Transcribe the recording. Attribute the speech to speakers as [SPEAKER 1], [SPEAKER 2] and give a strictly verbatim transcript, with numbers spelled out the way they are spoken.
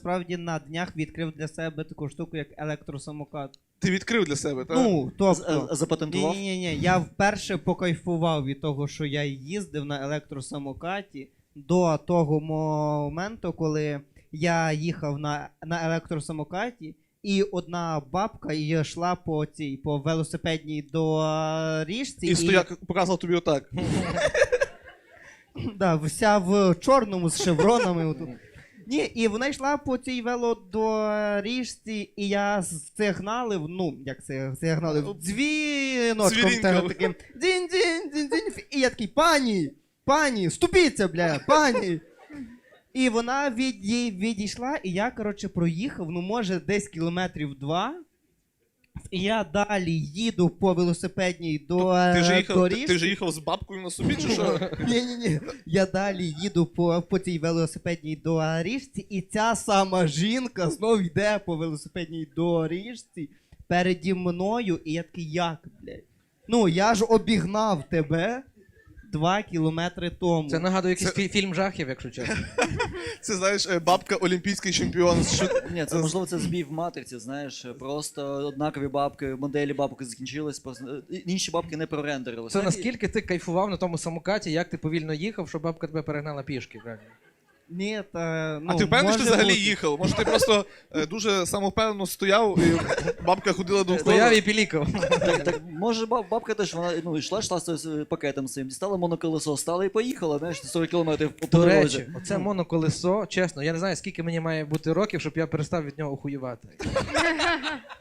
[SPEAKER 1] Справді на днях відкрив для себе таку штуку, як електросамокат.
[SPEAKER 2] Ти відкрив для себе, так?
[SPEAKER 1] Ну, тобто...
[SPEAKER 3] Запатентував?
[SPEAKER 1] Ні-ні-ні, я вперше покайфував від того, що я їздив на електросамокаті до того моменту, коли я їхав на, на електросамокаті, і одна бабка йшла по цій, по велосипедній доріжці.
[SPEAKER 2] І стояк показував тобі отак.
[SPEAKER 1] Да, вся в чорному з шевронами. Отут. Ні, і вона йшла по цій велодоріжці, і я сигналив, ну, як це, сигналив, дзвіночком
[SPEAKER 2] Цвірінькав.
[SPEAKER 1] таким, дзінь-дзінь-дзінь-дзінь, і я такий, пані, пані, ступіться, бля, пані. І вона від, відійшла, і я, коротше, проїхав, ну, може, десь кілометрів два, і я далі їду по велосипедній до
[SPEAKER 2] Ти ж їхав,
[SPEAKER 1] доріжці.
[SPEAKER 2] ти ж їхав з бабкою на собі, чи що?
[SPEAKER 1] Ні-ні-ні, я далі їду по, по цій велосипедній доріжці, і ця сама жінка знов йде по велосипедній доріжці переді мною, і я такий, як, блядь? Ну, я ж обігнав тебе два кілометри тому.
[SPEAKER 4] Це нагадує якийсь
[SPEAKER 2] Це-
[SPEAKER 4] фі- фільм жахів, якщо чесно.
[SPEAKER 2] Це, знаєш, е, бабка олімпійський чемпіон. Що...
[SPEAKER 3] Ні, це можливо це збій в матриці, знаєш, просто однакові бабки, моделі бабки закінчились, просто е, інші бабки не прорендерилися.
[SPEAKER 4] Це наскільки ти кайфував на тому самокаті, як ти повільно їхав, що бабка тебе перегнала пішки, правильно?
[SPEAKER 1] Ні, та, ну,
[SPEAKER 2] А ти впевнений, що
[SPEAKER 1] може
[SPEAKER 2] взагалі
[SPEAKER 1] бути.
[SPEAKER 2] їхав? Може ти просто е, дуже самовпевнено стояв, і бабка ходила довкола?
[SPEAKER 4] Стояв і пілікав.
[SPEAKER 3] Так, так, може баб, бабка теж, вона ну, йшла, йшла з з пакетом своїм, дістала моноколесо, стала і поїхала, знаєш, сорок кілометрів по
[SPEAKER 4] До
[SPEAKER 3] дорозі.
[SPEAKER 4] речі, оце моноколесо, чесно, я не знаю, скільки мені має бути років, щоб я перестав від нього охуєвати.